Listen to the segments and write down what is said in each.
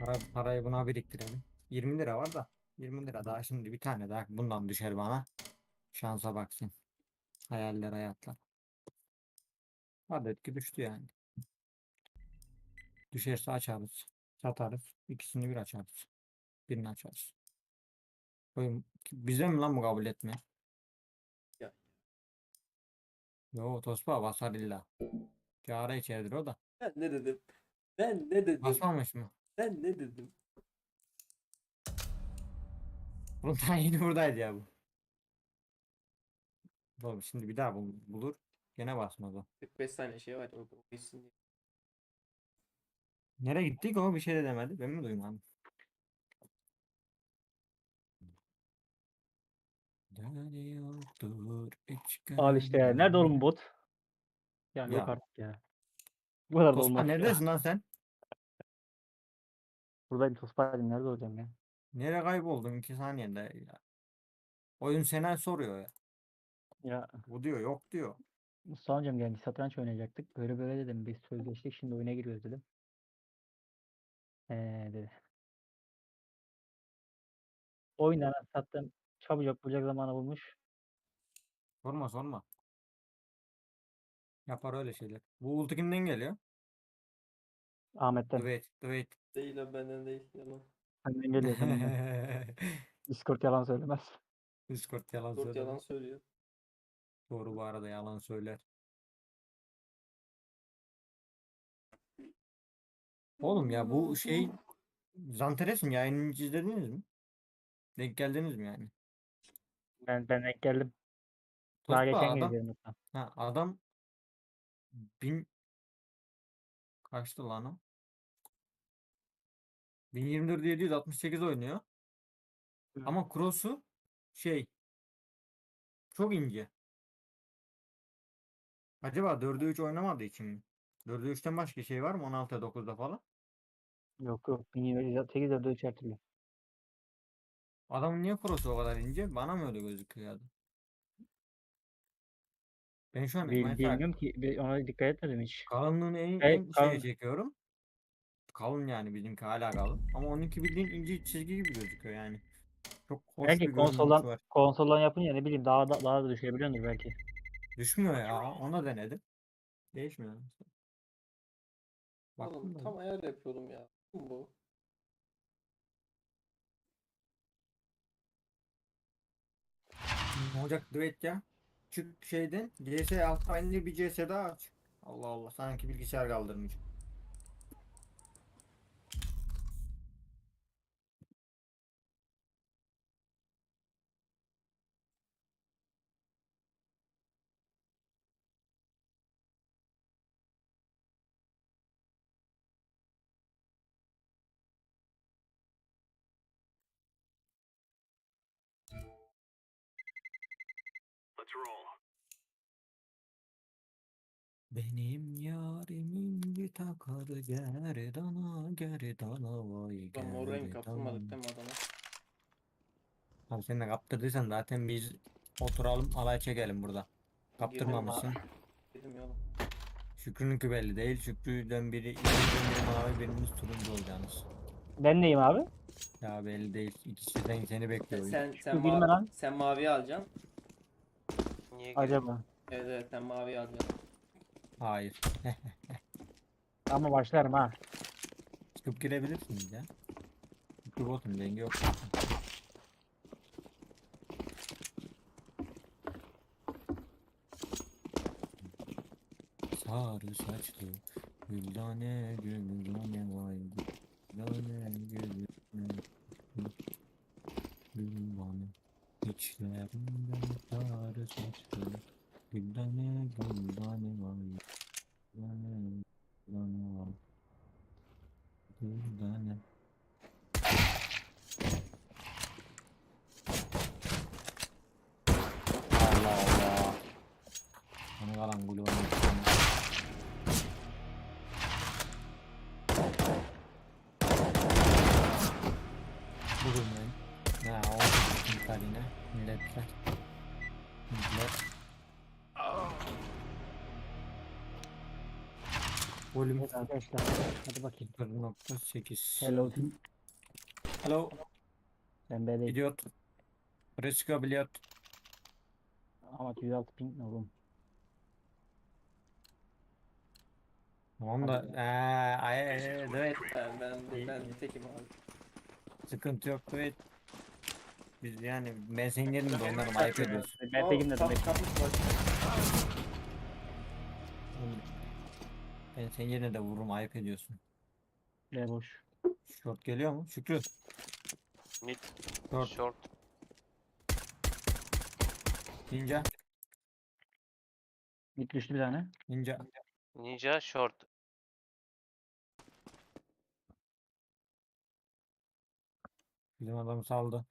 Parayı buna biriktirelim. 20 lira var da. 20 lira daha şimdi bir tane daha bundan düşer bana. Şansa baksın. Hayaller hayatlar. Adet ki düştü yani. Düşerse açarız. Satarız. İkisini bir açarız. Birini açarız. Oyun bize mi lan bu kabul etme? Ya. Yo Tospa basar illa. Kâra içeridir o da. Ben ne dedim? Ben ne dedim? Basmamış mı? Ben ne dedim? Bunun tayini buradaydı ya bu. Oğlum şimdi bir daha bulur. Gene basmaz o. 45 tane şey var. O gitsin diye. Nereye gittik o bir şey de demedi. Ben mi duymadım? Dönüyordur Al işte ya. Nerede oğlum bot? Yani yok Ya artık ya. Bu kadar da Tospa olmaz ya. neredesin lan sen? Buradayım Tospar'cığım. Nerede olacağım ya? Nereye kayboldun 2 saniyede ya. Oyun sana soruyor ya. Ya Bu diyor yok diyor. Mustafa amcam geldi. Satranç oynayacaktık. Böyle böyle dedim. Biz sözleştik. Şimdi oyuna giriyoruz dedim. Dedi. Oyundan sattım. Çabucak bulacak zamanı bulmuş. Sorma sorma. Yapar öyle şeyler. Bu ulti kimden geliyor? Ahmet'ten. Dwayne. Dwayne. Değil abi benden değil. Yalan. Senden geliyor senden. Discord yalan söylemez. Discord yalan Discord yalan söylemez. söylüyor. Doğru bu arada yalan söyler. Oğlum ya bu şey Zanteres'in yayınını hiç izlediniz mi? Denk geldiniz mi yani? Ben denk geldim. Daha Tospa geçen gün adam izledim hatta. adam bin kaçtı lan o? 1024.768 oynuyor. Hı. Ama cross'u şey çok ince. Acaba 4'e 3 oynamadığı için mi? 4'e 3'ten başka şey var mı? 16'ya 9'da falan. Yok yok. 1708 de 3 her türlü. Adamın niye cross'u o kadar ince? Bana mı öyle gözüküyor ya? Ben şu an mesela Bilmiyorum ki. Ona dikkat etmedim hiç. kalınlığını en şeye Kalın. çekiyorum. Kalın yani bizimki hala kalın. Ama onunki bildiğin ince çizgi gibi gözüküyor yani. Çok hoş Belki bir görünüşü konsoldan var. konsoldan yapınca ne bileyim daha da düşebiliyordur belki. Düşmüyor ya. Ona denedim. Değişmiyor. Oğlum Baktım da. tam ayar yapıyordum ya. Bu. Ne olacak düet ya? Çık şeyden. CS altta indir bir CS daha aç. Allah Allah. Sanki bilgisayar kaldırmış. Benim yarimin bir takar gerdana gerdana vay Lan mor renk gerdana. kaptırmadık değil mi adama? Abi sen de kaptırdıysan zaten biz oturalım alay çekelim burada. Girdim ha. Kaptırmamışsın. Girdim yolum. Şükrü'nünki belli değil. Şükrü'den ikimizden biri mavi birimiz turuncu olacağınız. Ben neyim abi? Ya belli değil. İkisinden seni bekliyor oyun. Sen Girme lan. sen maviyi alacaksın. Niye gireyim? Acaba. Evet Evet sen maviyi alacaksın. Hayır. Ama başlarım ha. Çıkıp girebilirsiniz ya. Şükrü botun dengi yok. Sarı saçlı güldane güldane vay güldane güldane güldane içlerinden sarı saçlı güldane güldane vay güldane güldane vay güldane. Allah Allah. Bana kalan gülü var. Bugün ben ne oldu yine milletler millet Volüm Evet arkadaşlar. Hadi bakayım. 0.8. Hello team. Hello. Ben B'deyim. Idiot. Fresco Biliot. Ama 106 ping ne oğlum? Tamam da Hadi evet. Ben tekim abi. Sıkıntı yok evet. Biz yani ben senin yerinde onları ayıp ediyorsun. Ben tekim dedim. Kapmış bak. Oğlum, ben senin yerine de vururum ayıp ediyorsun. B boş. Short geliyor mu? Şükrü. Mid. Short. Short. Ninja. Mid düştü bir tane. Ninja. Ninja short. Bizim adamı saldı.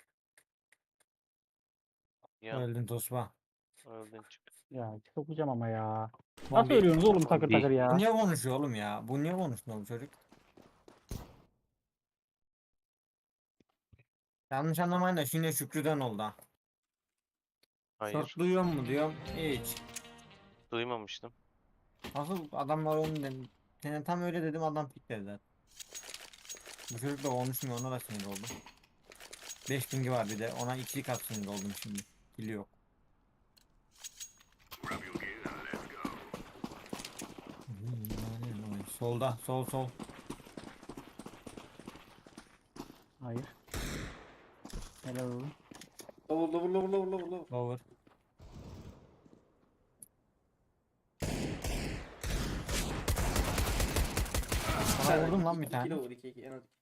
Yan. Öldün Tosba. Öldün çık. Ya sokacağım ama ya. Lan Nasıl ölüyorsunuz oğlum takır takır Bu ya? niye konuşuyor oğlum ya? Bu niye konuşuyor bu çocuk? Yanlış anlamayın da şimdi Şükrü'den oldu ha. Hayır. Short duyuyor mu diyorum. Hiç. Duymamıştım. Asıl adamlar onu dedim. Sana tam öyle dedim adam pikledi zaten. Bu çocuk da konuşmuyor ona da sinir oldum. 5 pingi var bir de ona 2 kat sinir oldum şimdi. Kili yok. Solda sol. Hayır. Helal oğlum. Lower. Lower. Sana vurdum lan bir İki tane. lower, iki en az.